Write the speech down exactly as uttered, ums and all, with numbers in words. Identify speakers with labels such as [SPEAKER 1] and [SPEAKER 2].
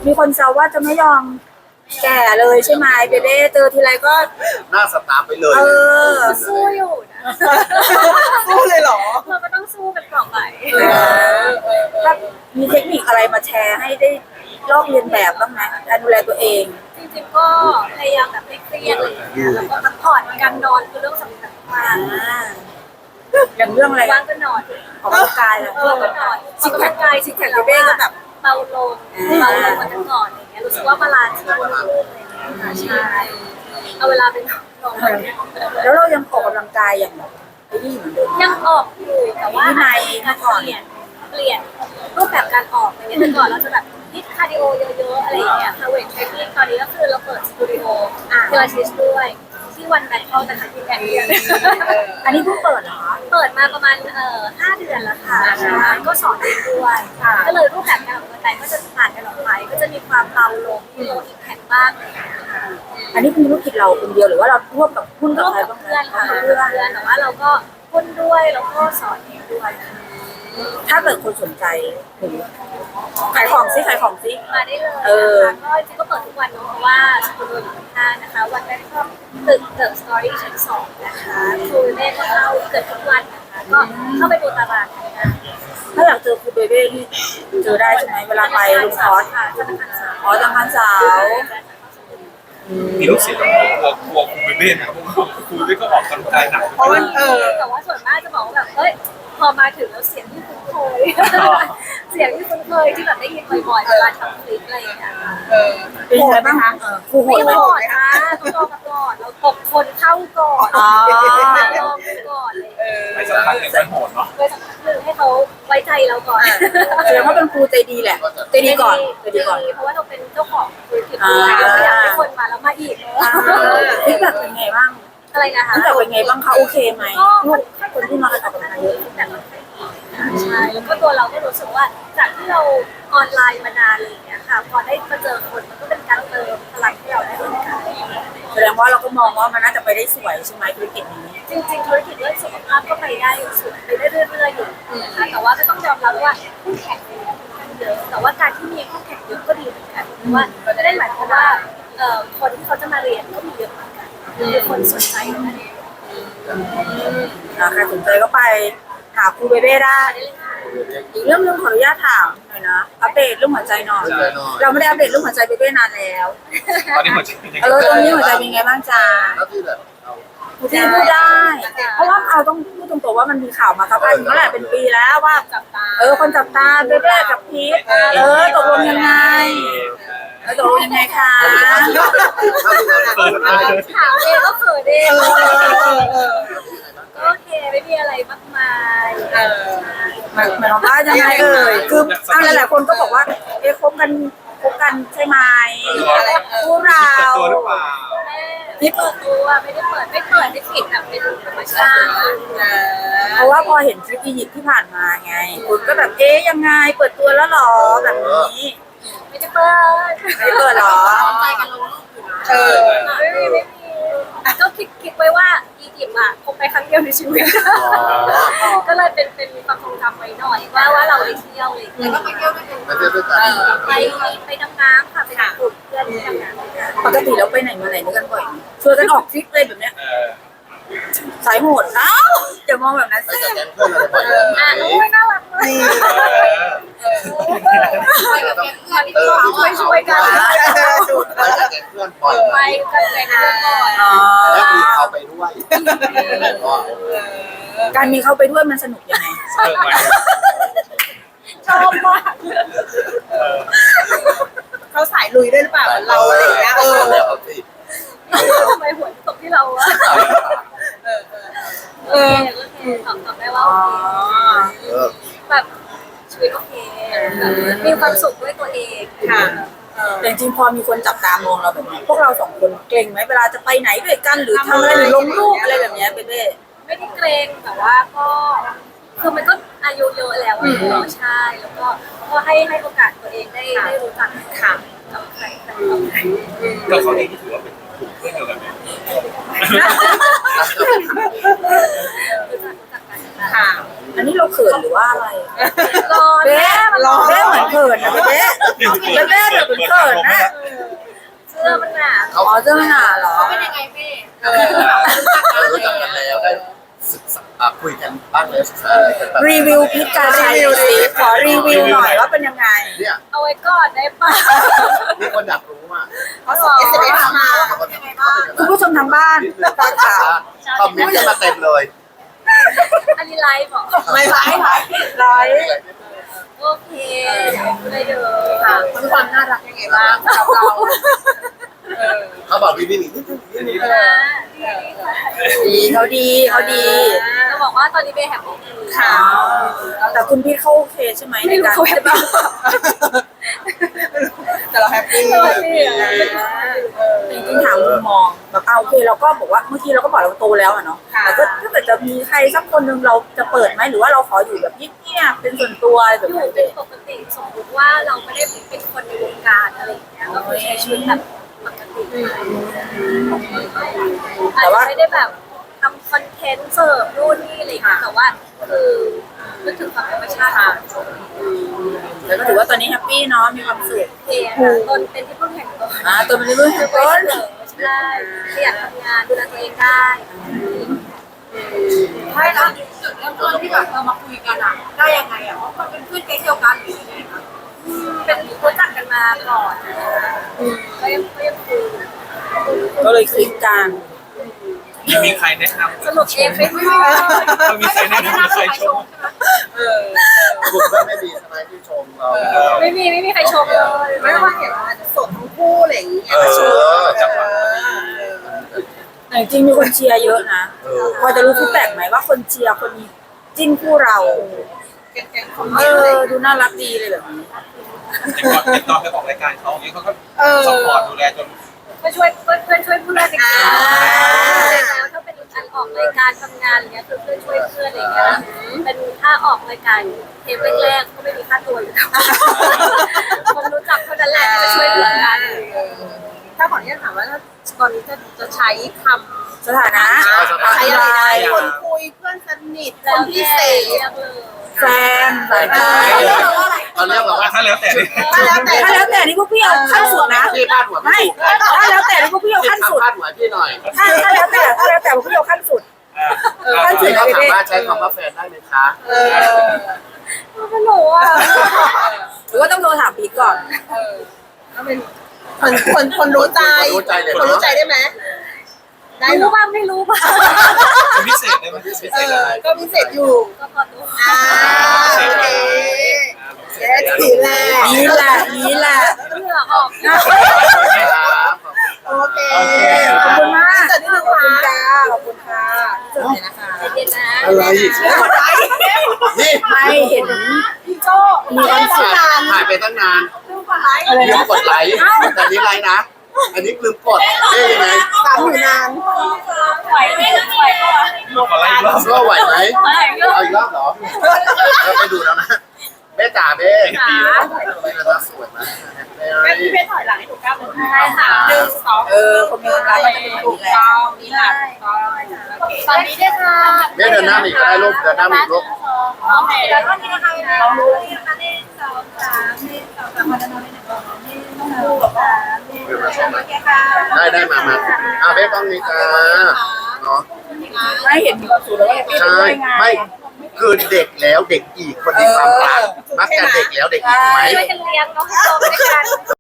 [SPEAKER 1] มีคนแซวว่าจะไม่ยอมแก่เลยใช่ไหมเบเบ้เจอทีไรก็
[SPEAKER 2] หน้าสตาร์ฟไปเลย
[SPEAKER 1] เออ
[SPEAKER 3] สู้อยู่นะ
[SPEAKER 4] สู้เลยเหรอ
[SPEAKER 3] เราก็ต้องสู้กันต่อไป
[SPEAKER 1] ถ้ามีเทคนิคอะไรมาแชร์ให้ได้ลอกเรียนแบบบ้างไหมการดูแลตัวเอง
[SPEAKER 3] จริงๆก็พยายามแบบไม่เครียดอะไรอย่างเงี้ยแล้วก็พักผ่อนการนอนคือเรื่องสำคัญมาก
[SPEAKER 1] อย่างเรื่องอะไร
[SPEAKER 3] ว่างก็นอน
[SPEAKER 1] ออกกำลังกายอะ
[SPEAKER 3] เออก็นอนซิกแพคกายซิกแพคเบเบ้ก็แบบเบาลงเบาลงกว่าแต่ก่อนอะไรเงี้ยรู้สึกว่าบาลานซ์ที่มันขึ้นอะไรเงี้ยค่ะใช่เอาเวลาไปนอน
[SPEAKER 1] แล้วเรายังออกกำลังกายอย่างแบบไอ้นี่เหมือนเดิม
[SPEAKER 3] ยังออกอยู่แต่ว่า
[SPEAKER 1] ใน
[SPEAKER 3] การเปลี่ยนเปลี่ยนรูปแบบการออกอะไรเงี้ยแต่ก่อนเราจะแบบฮิตคาร์ดิโอเยอะๆอะไรอย่างเงี้ยค่ะเวทเทรนนิ่งตอนนี้ก็คือเราเปิดสตูดิโอพิลาทิสด้วยที่วันแบงค์เขาแต่ทันทีแอนเดีย
[SPEAKER 1] อันนี้เพิ่งเปิดเหรอ
[SPEAKER 3] เปิดมาประมาณเอ่อห้าเดือนแล้วค่ะก็สอนเองด้วยก็เลยรูปแบบการออกกำลังกายก็จะผ่านกันออกไปก็จะมีความเบาลงมีโลอิมแพคบ้างอะไรอย่างเงี้ย
[SPEAKER 1] อันนี้เป็นธุรกิจเราคนเดียวหรือว่าเราร่วมกับหุ้นกับใครบ้าง
[SPEAKER 3] เพื่อนค่ะเพื่อนแต่ว่าเราก็หุ้นด้วยแล้วก็สอนเองด้วย
[SPEAKER 1] ถ้าเกิดคนสนใจขายของซิขายของซิ
[SPEAKER 3] มาได้เลยนะคะก็จริงก็เปิดทุกวันเนาะเพราะว่าสตูดิโออยู่ข้างนะคะวันแรกก็ตึกเดอะสตอรี่ชั้นสองนะคะครูเบ้ก็เข้าเกิดทุกวันนะคะก็เข้าไปดูตารางงาน
[SPEAKER 1] ถ้าอยากเจอครูเบเบ้ที่เจอได้ใช่ไหมเวลาไปลุงคอร์ส
[SPEAKER 3] ค่ะธนาคารสาว
[SPEAKER 1] อ๋อธนาคารสาว
[SPEAKER 2] มีลูกศิษย์ของผมกลัวกลัวครูเบเบ้นะครับเพราะว่าครูเบเบ้ก็ออกกำลังกายหนัก
[SPEAKER 3] เพราะว่าเออแต่ว่าส่วนมากจะบอกว่าแบบเฮ้ยพอมาถึงแล้วเสียงที่คุ้นเคยเสียงที่คุ้นเคยที่แบบได้ยินบ่อยๆเวลาทำคลิปอะไรอย่างเงี้ย
[SPEAKER 1] เออเป็นไงบ้างคะครูโหด
[SPEAKER 3] ไหมโหดนะต้องรอมาก่อนเราตกคนเข้าก่อน
[SPEAKER 1] อ๋อ
[SPEAKER 3] ลองไปก่อนเลย
[SPEAKER 2] ไปสักพักหนึ่งไปโหดเนาะ
[SPEAKER 3] ไปสักพักหนึ่งให้เขาไว้ใจเราก่อน
[SPEAKER 1] แสดงว่าเป็นครูใจดีแหละใจดีก่อนใจดีก่อน
[SPEAKER 3] เพราะว่าเราเป็นเจ้าของธุรกิจด้วยเราอยากให้คนมาแล้วมาอีก
[SPEAKER 1] ฟีดแบ็กเป็นไงบ้าง
[SPEAKER 3] อะไรนะคะ
[SPEAKER 1] ฟีดแบ็กเป็นไงบ้างคะโอเคไหมลูกคนที่มาออกกำลังกายเยอะ
[SPEAKER 3] แต่ก็ใช่แล้วก็ตัวเราก็รู้สึกว่าจากที่เราออนไลน์มานานอะไรอย่างเงี้ยค่ะพอได้มาเจอคนมันก็เป็นการเติมพลังให้เราได้เหมือนกัน
[SPEAKER 1] แสดงว่าเราก็มองว่ามันน่าจะไปได้สวยใช่ไหมธุรกิจนี้
[SPEAKER 3] จริงๆธุรกิจเรื่องสุขภาพก็ไปได้สวยไปได้เรื่อยๆอยู่นะคะแต่ว่าก็ต้องยอมรับว่าคู่แข่งเยอะแต่ว่าการที่มีคู่แข่งเยอะก็ดีเหมือนกันเพราะว่าจะได้หมายความว่าคนที่เขาจะมาเรียนก็มีเยอะเหมือนกันมีคนสนใจนั่นเอง
[SPEAKER 1] ใครสนใจก็ไปหาครูเบเบ้ได้อีกเรื่องนึงขออนุญาตถามหน่อยนะอัปเดตเรื่องหัวใจหน่อยเราไม่ได้อัปเดตเรื่องหัวใจเบเบ้นานแล้ว
[SPEAKER 2] ตอนนี้หัวใจ
[SPEAKER 1] เออตอนนี้หัวใจเป็นไงบ้างจ๊ะที่พูดได้เพราะว่าเอาต้องพูดตรงๆว่ามันมีข่าวมาสักพักเมื่อไหร่เป็นปีแล้วว่าเออคนจับตาเบเบ้กับพีทเออตกลงยังไงเออตกลงยังไงคะ
[SPEAKER 3] ถามเองก็เขินเองโอเคไม่มีอะไรมากมายเออ
[SPEAKER 1] หมายความว่ายังไงเอ่ยคือเอาหลายๆคนก็บอกว่าเอ๊ะคบกันคบกันใช่ไหมคู่เรา
[SPEAKER 3] ไม่เปิดตัวไม่ได้เปิดไม่เปิดไม่ปิดแบบเป็นธรรมชาติ
[SPEAKER 1] เพราะว่าพอเห็นคลิปอียิปต์ที่ผ่านมาไงคุณก็แบบเอ๊ยยังไงเปิดตัวแล้วหรอแบบนี้
[SPEAKER 3] ไม่ได้เปิด
[SPEAKER 1] ไม่ได้เปิดหรอ
[SPEAKER 3] ใจกันลงเออไม่มีไม่มีก็คิดคิดไว้ว่าอียิปต์อ่ะคงไปครั้งเดียวในชีวิตก็เลยเป็นเป็นความทรงจำไว้หน่อยว่าว่าเราไปเที่ยวเลยแล้วก็ไปเที่ยวด้วยกันไปไปดำน้ำค่ะไปหากลุ่มเพื่อนที่ดำน้ำ
[SPEAKER 1] ปกติเราไปไหนมาไหนด้วยกันบ่อยชวนกันออกทริปเลยแบบเนี้ยสายโหดอ้าวอย่ามองแบบนั้นสิ
[SPEAKER 3] อ่ะโอ้ยน่ารักเลยไปกับแก๊งเพื่อนที่ช่วยช่วยกันไปกันเลยนะ
[SPEAKER 2] แล้วมีเขาไปด้วย
[SPEAKER 1] การมีเขาไปด้วยมันสนุกยังไง
[SPEAKER 3] ชอบมาก
[SPEAKER 4] เขาสายลุยด้วยหรือเปล่าเราอะไรอย่างเงี้ยเออ
[SPEAKER 3] ทำไมหัวตกที่เราอะเออโอเคตอบตอบได้ว่าโอเคแบบชีวิตโอเคมีความสุขด้วยตัวเอง
[SPEAKER 4] ค่ะ
[SPEAKER 1] แต่จริงพอมีคนจับตามองเราแบบนี้พวกเราสองคนเกรงไหมเวลาจะไปไหนด้วยกันหรือทำอะไรหรือลงรูปอะไรแบบนี้เบ้
[SPEAKER 3] ไม่ได้เกรงแต่ว่าก็คือมันก็อายุเยอะแล้วเนาะใช่แล้วก็ก็ให้ให้โอกาสตัวเองได้ได้รู้จักค่ะกับใครกับใคร
[SPEAKER 2] ก็เขาเองถือว่าเป็นกลุ่มเพื่อนเดียวกันไหม
[SPEAKER 3] รู้จักรู้จักกันค่ะ
[SPEAKER 1] อันนี้เราเขินหรือว่าอะไร
[SPEAKER 3] ร้อน
[SPEAKER 1] เบ๊
[SPEAKER 3] แม่มัน
[SPEAKER 1] ร้
[SPEAKER 3] ร้
[SPEAKER 1] อ
[SPEAKER 3] อน น
[SPEAKER 1] เบ๊เหมือนเขินนะเบ๊เบ๊เบ๊เดี๋ยวเป็นเขินนะ
[SPEAKER 3] เสื้อมันหนา
[SPEAKER 1] อ๋อเจ้าหน้าเหรอ
[SPEAKER 3] เป็นยังไงแม่
[SPEAKER 4] เออ
[SPEAKER 5] รู้จักกันแล้วได้ศึกษาอ่ะคุยกันบ้างเลยศึกษาอะไรกันแบบ
[SPEAKER 1] รีวิวพิษการใช้สิขอรีวิวหน่อยว่าเป็นยังไง
[SPEAKER 5] เนี่ย
[SPEAKER 3] เอาไว้ก่อนได้ป่ะ
[SPEAKER 5] มีคนอยากรู้ว่า
[SPEAKER 4] เขาส่งเอสเอ็มเอสมา
[SPEAKER 5] เขาเป็นยังไงบ้าง
[SPEAKER 1] คุณผู้ชมทางบ้านฟังข่าว
[SPEAKER 5] คอมเมนต์กันมาเต็มเลย
[SPEAKER 3] อันนี้ไลฟ์บอก
[SPEAKER 4] ไม่ไลฟ์
[SPEAKER 1] ไลฟ์
[SPEAKER 3] โอเคได้เด้อ
[SPEAKER 4] ค่ะคุณความน่ารักยังไงบ้างเราเราเออ
[SPEAKER 5] เขาบอกวิววิววิว
[SPEAKER 3] นะดีค่ะ
[SPEAKER 1] ดีเขาดีเขาดี
[SPEAKER 3] จะบอกว่าตอนนี้เบย์แฮปปี้ดี
[SPEAKER 4] ค่ะ
[SPEAKER 1] แต่คุณพี่เขาโอเคใช่ไหมใน
[SPEAKER 3] ไม่รู้
[SPEAKER 1] การ
[SPEAKER 3] เขาแฮปปี้
[SPEAKER 4] แต่เราแฮปปี้
[SPEAKER 3] สวัสดีอ่ะ
[SPEAKER 1] จริงๆถามมุมมองแบบเอาโอเคเราก็บอกว่าเมื่อกี้เราก็บอกเราโตแล้วอะเนาะแต่ก็ถ้าเกิดจะมีใครสักคนหนึ่งเราจะเปิดไหมหรือว่าเราขออยู่แบบเงียบๆเป็นส่วนตัวอะไรแบบ
[SPEAKER 3] อยู่
[SPEAKER 1] นี้
[SPEAKER 3] เป็นปกติสมมติว่าเราไม่ได้เป็นคนในวงการอะไรอย่างเงี้ยเราคือใช้ชีวิตแบบปกติอาจจะไม่ได้แบบทำคอนเทนต์เสิร์ฟนู่นนี่อะไรอย่างเงี้ยแต่ว่าคือนึกถึงความธรรมชาติค่ะ
[SPEAKER 1] แล้วก็ถือว่าตอนนี้แฮปปี้เนาะมีความสุข
[SPEAKER 3] โอเคค่ะตนเป็นที่พึ่งแห่งตน
[SPEAKER 1] อ่าตัวมันเรื่อง
[SPEAKER 3] คือ
[SPEAKER 1] ต้น
[SPEAKER 3] ใช่ขยันทำงานดูแลตัวเองได้
[SPEAKER 6] ใช่แล้วจุดเริ่มต้นที่แบบเรามาคุยกันอ่ะได้ยังไงอ่ะเพราะมันเป็นเพื่อนแก๊งเดียวกันหรือยังไงคะ
[SPEAKER 3] เป็นรู้จักกันมาก่อนก็ยังก็ยังคุย
[SPEAKER 1] ก็เลยคลิกกัน
[SPEAKER 2] มีมีใครแนะนำ
[SPEAKER 3] สรุปเองไม่รู้
[SPEAKER 2] มีใครแนะนำใครชม
[SPEAKER 4] เออ
[SPEAKER 5] กลุ่มก็ไม่มีทนายที่ชมเรา
[SPEAKER 3] ไม่มีไม่มีใครชมเลย
[SPEAKER 4] ไม่ว่าเห็นว่าจะสดทั้งคู่อะไรอย่างเงี้ย
[SPEAKER 5] เออจังหวะ
[SPEAKER 1] แต่จริงๆมีคนเชียร์เยอะนะ
[SPEAKER 5] เออ
[SPEAKER 1] พอจะรู้ฟีดแบ็กไหมว่าคนเชียร์คนจิ้นคู่เรา
[SPEAKER 4] แกงคอมเม
[SPEAKER 1] เอน
[SPEAKER 4] ต์อะไร
[SPEAKER 1] อดูน่ารักดีเลยแบบนี้
[SPEAKER 2] ติดต่อติดต่อไปออกรายการเขาอย่างนี้เขาก็
[SPEAKER 4] เออ
[SPEAKER 2] สปอร์ตดูแลจน
[SPEAKER 3] ก็ช่วยเพื่อนเพื่อนช่วยเพื่อนจริงๆแล้วถ้าเป็นการออกรายการทำงานอะไรเงี้ยคือเพื่อนช่วยเพื่อนอะไรเงี้ยเป็นถ้าออกรายการเทปแรกๆก็ไม่มีค่าตัวอยู่แล้วคนรู้จักเท่านั้นแหละที่จะช่วยเหลือกัน
[SPEAKER 4] ถ้าขออนุญาตถามว่าถ้าตอนนี้จะจะใช้คำ
[SPEAKER 1] สถานะ
[SPEAKER 4] ใช้อะไร
[SPEAKER 1] อะไร
[SPEAKER 4] นะคนคุยเพื่อนสนิทคนพิเศษ
[SPEAKER 1] แฟนสายตา
[SPEAKER 5] ตอนนี้บอกว่า
[SPEAKER 2] ถ้าแล้วแต่นี่
[SPEAKER 4] ก็แล้วแต่
[SPEAKER 1] ถ้าแล้วแต่นี่พวกพี่เอาขั้นสุดนะ
[SPEAKER 5] พี่พาดหัว
[SPEAKER 1] ไม่
[SPEAKER 5] ไม่ถูก
[SPEAKER 1] ถ้าแล้วแต่นี่พวกพี่เอาขั้นสุด
[SPEAKER 5] พาดหัวพี่หน่อย
[SPEAKER 1] ถ้าถ้าแล้วแต่ถ้าแล้วแต่พวกพี่เอาขั้นสุด
[SPEAKER 2] ขั้นสุ
[SPEAKER 5] พี่
[SPEAKER 2] ด
[SPEAKER 5] เขาสามารถใช้คำว่าแฟนได้ไหมคะ
[SPEAKER 4] เออ
[SPEAKER 3] ไม่รู้อ่ะ
[SPEAKER 1] หรือว่าต้องโทรถามพีทก่อน
[SPEAKER 4] เออก็เป็นคนคนคนรู้ใจ
[SPEAKER 5] รู้ใจเลย
[SPEAKER 4] คนรู้ใจได้ไหมได้หร
[SPEAKER 3] รู้
[SPEAKER 4] อ
[SPEAKER 3] บ้างไม่รู้บ้าง
[SPEAKER 2] คนพิเศษได้ไหมพิเศษ
[SPEAKER 4] เอ
[SPEAKER 2] ได้
[SPEAKER 4] อ
[SPEAKER 2] ไหม
[SPEAKER 4] ก็พิเศษอยู่
[SPEAKER 3] ก็พอตัว
[SPEAKER 4] อ่าโอเคเจ๊ทีแรก
[SPEAKER 1] นี่แหละนี่แหละ
[SPEAKER 3] เหงื่อออก
[SPEAKER 5] ครับ
[SPEAKER 4] โอเค
[SPEAKER 1] ขอบคุณมาก
[SPEAKER 4] จัดนิดนึง
[SPEAKER 1] ขอบคุณ
[SPEAKER 4] ค่ะ
[SPEAKER 1] ค่ะขอบคุณค่ะสุดเลยนะคะ
[SPEAKER 3] ใจเย็นนะ
[SPEAKER 5] อะไรนี่
[SPEAKER 1] ไม่เห็น
[SPEAKER 4] พี่โจ้
[SPEAKER 1] มีความสุข
[SPEAKER 5] ถ่ายไปตั้งนาน
[SPEAKER 1] อะไร
[SPEAKER 5] ลืม
[SPEAKER 1] นะ
[SPEAKER 5] กดไลค์แต่นี่ไลค์นะ อันนี้ลืมกดเอ๊ยยังไง
[SPEAKER 4] สามหมื่นนาน
[SPEAKER 3] ไหวไหมไหวก็
[SPEAKER 2] ลูกขอไล่อีกรอบ
[SPEAKER 5] ก็ไหวไหม
[SPEAKER 3] ไหวก็
[SPEAKER 5] เอาอีกรอบเหรอเราไปดูแล้วนะเบ้จ๋าเบ้ดีแล้วสวยมาก
[SPEAKER 4] งั้นพี่เพชรถอยหลังให้ถูกก้าวหนึ่ง
[SPEAKER 3] ใช่ค่ะ
[SPEAKER 4] หนึ่งสอง
[SPEAKER 1] เออคนมีความรักมันจะเป็นแบบ
[SPEAKER 4] ถู
[SPEAKER 1] นี้
[SPEAKER 4] ก
[SPEAKER 1] แหละ
[SPEAKER 4] ต้องนี่แหละถูกต้องโอเค
[SPEAKER 3] ตอนนี้ได้ค่ะ
[SPEAKER 5] เบ้เดินหน้าอีกก็ได้ลูกเดินหน้าอีกลูก
[SPEAKER 3] โอเคแล้วก็นี่นะคะลองดูเลยนะคะหนึ่งสองสามหนึ่งสองสามมาด้านโน้นหนึ่งสองสามหนึ่งสองสามหนึ่งสองสามโอเคค่ะ
[SPEAKER 5] ได้ได้มามาอ่ะเบ้ต้องมีจ้าเนาะ
[SPEAKER 1] ไม่เห็นมีความสุขแล้วก็แฮปปี้
[SPEAKER 5] ใช่
[SPEAKER 1] ด้วยไง
[SPEAKER 5] ไม่คือเด็กแล้วเด็กอีกคนมีความรักมักจะเด็กแล้วเด็กอีกไหม
[SPEAKER 3] ช่วยกันเลี้ยงน้องให้โตไปด้วยกัน